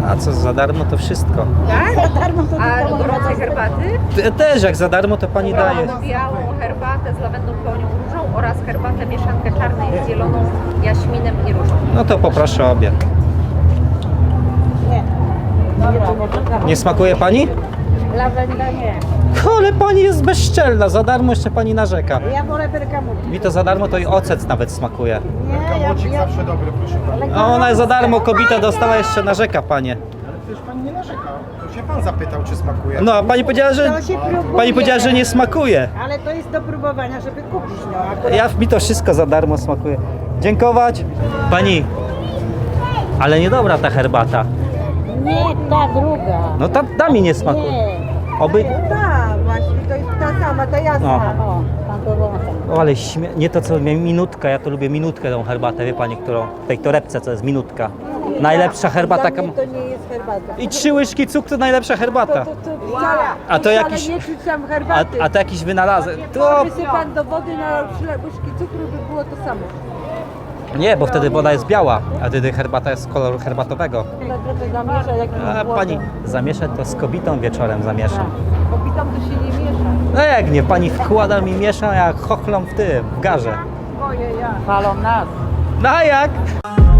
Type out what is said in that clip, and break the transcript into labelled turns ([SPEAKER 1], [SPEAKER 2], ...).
[SPEAKER 1] A co, za darmo to wszystko.
[SPEAKER 2] Tak? Za darmo to
[SPEAKER 3] A gorącej herbaty?
[SPEAKER 1] Też jak za darmo to pani daje.
[SPEAKER 3] Białą herbatę z lawendą, pełnią różą oraz herbatę mieszankę czarnej z zieloną, jaśminem i różą.
[SPEAKER 1] No to poproszę obie.
[SPEAKER 2] Nie.
[SPEAKER 1] Nie smakuje pani?
[SPEAKER 2] Lawenda nie.
[SPEAKER 1] Ale pani jest bezczelna, za darmo jeszcze pani narzeka.
[SPEAKER 2] Ja wolę bergamot.
[SPEAKER 1] Mi to za darmo to i ocet nawet smakuje.
[SPEAKER 2] Nie,
[SPEAKER 4] Kamocik zawsze dobry, proszę pana.
[SPEAKER 1] A ona za darmo kobieta dostała, jeszcze narzeka panie.
[SPEAKER 4] Ale przecież pani nie narzeka. To się pan zapytał, czy smakuje.
[SPEAKER 1] No a pani powiedziała, że
[SPEAKER 2] To się próbuje.
[SPEAKER 1] pani powiedziała, że nie smakuje.
[SPEAKER 2] Ale to jest do próbowania, żeby kupić. No, akurat
[SPEAKER 1] Mi to wszystko za darmo smakuje. Dziękować. Pani, ale niedobra ta herbata.
[SPEAKER 2] nie, ta druga.
[SPEAKER 1] No ta mi nie smakuje.
[SPEAKER 2] Nie.
[SPEAKER 1] Oby...
[SPEAKER 2] Ta właśnie, to jest ta sama, ta jasna. O, pan to
[SPEAKER 1] O, ale nie to co minutka, ja to lubię minutkę tą herbatę, wie pani, którą w tej torebce co jest minutka. Najlepsza herbata.
[SPEAKER 2] Dla mnie to nie jest herbata.
[SPEAKER 1] I 3 łyżki cukru to najlepsza herbata.
[SPEAKER 2] To wcale,
[SPEAKER 1] A to
[SPEAKER 2] wcale
[SPEAKER 1] jakiś-
[SPEAKER 2] nie czuć tam herbaty.
[SPEAKER 1] A to jakiś wynalazek. To...
[SPEAKER 2] Wysyp pan do wody na łyżki cukru, by było to samo.
[SPEAKER 1] Nie, bo wtedy woda jest biała, a wtedy herbata jest z koloru herbatowego.
[SPEAKER 2] Trochę zamiesza jakimś
[SPEAKER 1] A
[SPEAKER 2] błotem.
[SPEAKER 1] pani zamieszać to z kobietą wieczorem zamiesza.
[SPEAKER 2] Kobitom to się nie miesza.
[SPEAKER 1] No jak nie, pani wkłada mi miesza jak chochlą w tym, w garze.
[SPEAKER 2] Boję ja. Palą nas.
[SPEAKER 1] No a jak?